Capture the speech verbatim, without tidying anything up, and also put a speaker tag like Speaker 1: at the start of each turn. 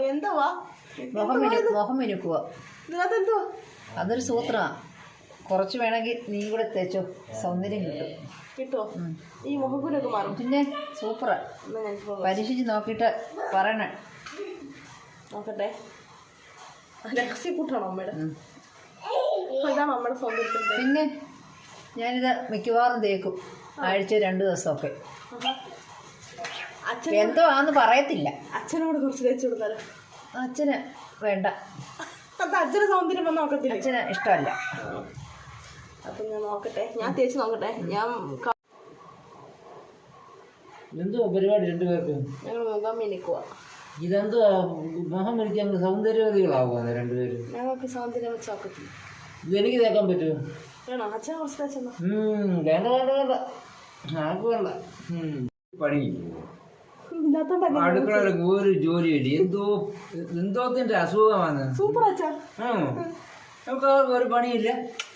Speaker 1: എന്തുവാ
Speaker 2: മുഖം മുഖം മിനുക്കുക.
Speaker 1: ഇതിനകത്തെന്തുവാ?
Speaker 2: അതൊരു സൂത്രമാണ്. കുറച്ച് വേണമെങ്കിൽ നീ കൂടെ തേച്ചോ, സൗന്ദര്യം കിട്ടും.
Speaker 1: കിട്ടുമോ? ഈ മുഖക്കുരൊക്കെ മാറും.
Speaker 2: പിന്നെ സൂപ്പറാ. പരീക്ഷിച്ച് നോക്കിയിട്ട് പറയണേ.
Speaker 1: നോക്കട്ടെ. രഹസ്യക്കൂട്ടാണോ അമ്മയുടെ? ഇതാണ് അമ്മയുടെ സൗന്ദര്യത്തിൻ്റെ.
Speaker 2: പിന്നെ ഞാനിത് മിക്കവാറും തേക്കും, ആഴ്ച രണ്ട് ദിവസമൊക്കെ.
Speaker 1: അച്ഛൻ
Speaker 2: എന്തോ ആന്ന് പറയത്തില്ല.
Speaker 1: അച്ഛനോട് കുറച്ച് തേച്ച് കൊടുത്താലോ?
Speaker 2: അച്ഛന് വേണ്ട.
Speaker 1: അത് അച്ഛന് സൗന്ദര്യം വന്ന് നോക്കത്തില്ല.
Speaker 2: അച്ഛന് ഇഷ്ടമല്ല.
Speaker 1: അപ്പം ഞാൻ നോക്കട്ടെ, ഞാൻ തേച്ച് നോക്കട്ടെ. ഞാൻ
Speaker 3: എന്തോ പരിപാടി രണ്ടുപേർക്ക്?
Speaker 1: ഞങ്ങൾ മുഖം മിനിക്കുക.
Speaker 3: ഇതെന്തോ മുഖം മിനിക്കാൻ സൗന്ദര്യവതികളാവുക രണ്ടുപേരും.
Speaker 1: ഞങ്ങൾക്ക് സൗന്ദര്യം വെച്ച് നോക്കത്തില്ല.
Speaker 3: ഇതെനിക്ക് തേക്കാൻ പറ്റുമോ?
Speaker 1: വേണോ? അച്ഛനെ കുറച്ച് തേച്ചെന്നോ?
Speaker 3: വേണ്ട വേണ്ട വേണ്ട, ആർക്ക് വേണ്ട. പണി അടുക്കളയിലൊക്കെ ഒരു ജോലിയില്ല. എന്തോ എന്തോത്തിന്റെ അസുഖമാണ്.
Speaker 1: സൂപ്പർ അച്ഛാ.
Speaker 3: നമുക്ക് ഒരു പണിയില്ല.